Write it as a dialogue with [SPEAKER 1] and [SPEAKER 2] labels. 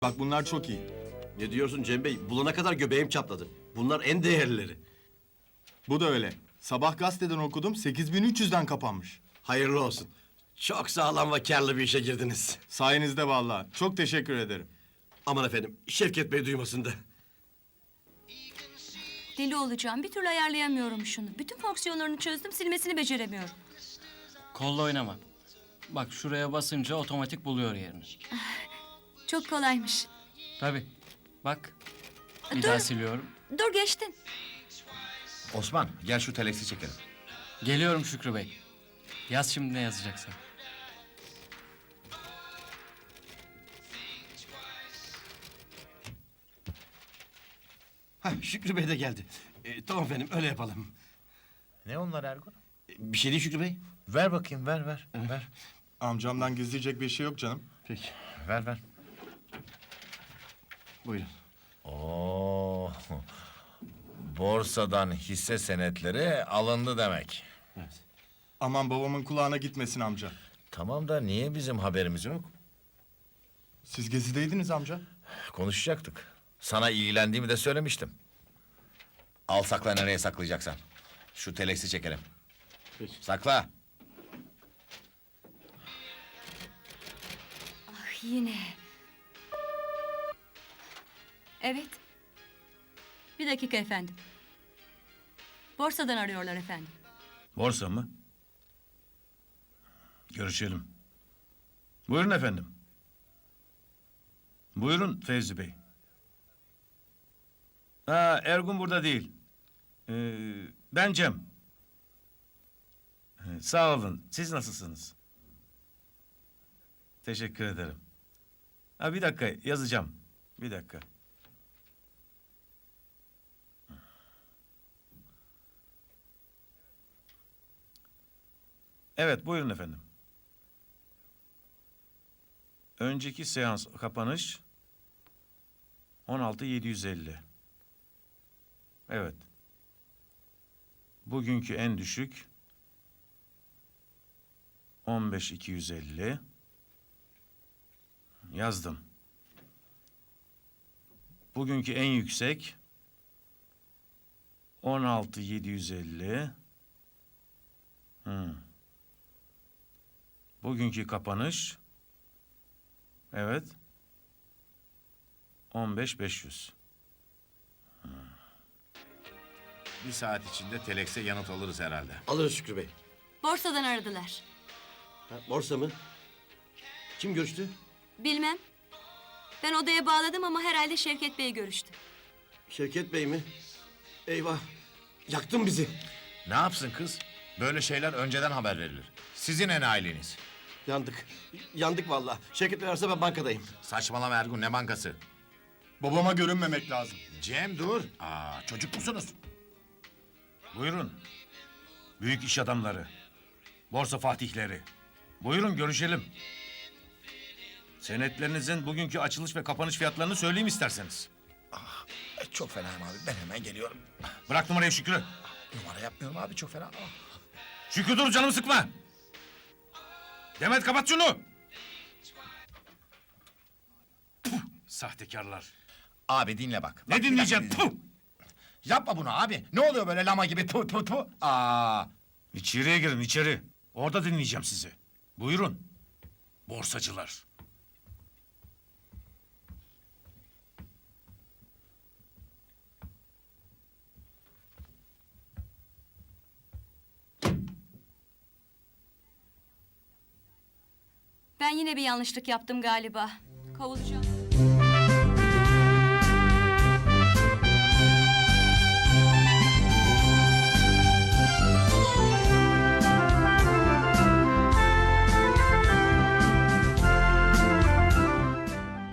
[SPEAKER 1] Bak bunlar çok iyi.
[SPEAKER 2] Ne diyorsun Cem Bey? Bulana kadar göbeğim çatladı. Bunlar en değerlileri.
[SPEAKER 1] Bu da öyle. Sabah gazeteden okudum 8300'den kapanmış.
[SPEAKER 2] Hayırlı olsun. Çok sağlam ve karlı bir işe girdiniz.
[SPEAKER 1] Sayenizde vallahi. Çok teşekkür ederim.
[SPEAKER 2] Aman efendim, Şevket Bey duymasın da.
[SPEAKER 3] Deli olacağım. Bir türlü ayarlayamıyorum şunu. Bütün fonksiyonlarını çözdüm, silmesini beceremiyorum.
[SPEAKER 4] Kolla oynama. Bak şuraya basınca otomatik buluyor yerini.
[SPEAKER 3] Çok kolaymış.
[SPEAKER 4] Tabii. Bak. Bir
[SPEAKER 3] Dur.
[SPEAKER 4] daha siliyorum.
[SPEAKER 3] Dur geçtin.
[SPEAKER 5] Osman gel şu teleksi çekelim.
[SPEAKER 4] Geliyorum Şükrü Bey. Yaz şimdi ne yazacaksan.
[SPEAKER 2] Hah, Şükrü Bey de geldi. Tamam efendim, öyle yapalım.
[SPEAKER 5] Ne onlar Ergun?
[SPEAKER 2] Bir şey değil Şükrü Bey.
[SPEAKER 5] Ver bakayım ver.
[SPEAKER 1] Amcamdan gizleyecek bir şey yok canım.
[SPEAKER 2] Peki,
[SPEAKER 5] Ver.
[SPEAKER 2] buyurun.
[SPEAKER 5] Oo. Borsadan hisse senetleri alındı demek.
[SPEAKER 2] Evet.
[SPEAKER 1] Aman babamın kulağına gitmesin amca.
[SPEAKER 5] Tamam da niye bizim haberimiz yok?
[SPEAKER 1] Siz gezideydiniz amca.
[SPEAKER 5] Konuşacaktık. Sana ilgilendiğimi de söylemiştim. Al sakla nereye saklayacaksan. Şu teleksi çekelim.
[SPEAKER 2] Peki.
[SPEAKER 5] Sakla.
[SPEAKER 3] Ah yine. Evet. Bir dakika efendim. Borsadan arıyorlar efendim.
[SPEAKER 6] Borsa mı? Görüşelim. Buyurun efendim. Buyurun Fevzi Bey. Ergun burada değil. Ben Cem. Sağ olun. Siz nasılsınız? Teşekkür ederim. Bir dakika yazacağım. Bir dakika. Evet, buyurun efendim. Önceki seans kapanış 16.750. Evet. Bugünkü en düşük 15.250. Yazdım. Bugünkü en yüksek 16.750. Bugünkü kapanış evet 15.500.
[SPEAKER 5] Bir saat içinde telekse yanıt alırız herhalde.
[SPEAKER 2] Alırız Şükrü Bey.
[SPEAKER 3] Borsadan aradılar.
[SPEAKER 2] Borsa mı? Kim görüştü?
[SPEAKER 3] Bilmem. Ben odaya bağladım ama herhalde Şevket Bey görüştü.
[SPEAKER 2] Şevket Bey mi? Eyvah, yaktın bizi.
[SPEAKER 5] Ne yapsın kız? Böyle şeyler önceden haber verilir. Sizin enayiliğiniz.
[SPEAKER 2] Yandık vallahi. Şevket Bey ararsa ben bankadayım.
[SPEAKER 5] Saçmalama Ergun ne bankası?
[SPEAKER 1] Babama görünmemek lazım.
[SPEAKER 5] Cem dur. Çocuk musunuz?
[SPEAKER 6] Buyurun. Büyük iş adamları. Borsa fatihleri. Buyurun görüşelim. Senetlerinizin bugünkü açılış ve kapanış fiyatlarını söyleyeyim isterseniz.
[SPEAKER 5] Çok fenayım abi ben hemen geliyorum.
[SPEAKER 6] Bırak numarayı Şükrü.
[SPEAKER 5] Numara yapmıyorum abi çok fena.
[SPEAKER 6] Şükrü dur canımı sıkma. Demet kapat şunu. Puh, sahtekarlar.
[SPEAKER 5] Abi dinle bak.
[SPEAKER 6] Ne dinleyeceğim? Puh!
[SPEAKER 5] Yapma bunu abi. Ne oluyor böyle lama gibi tu.
[SPEAKER 6] İçeriye girin içeri. Orada dinleyeceğim sizi. Buyurun. Borsacılar.
[SPEAKER 3] Ben yine bir yanlışlık yaptım galiba. Kovulacağım.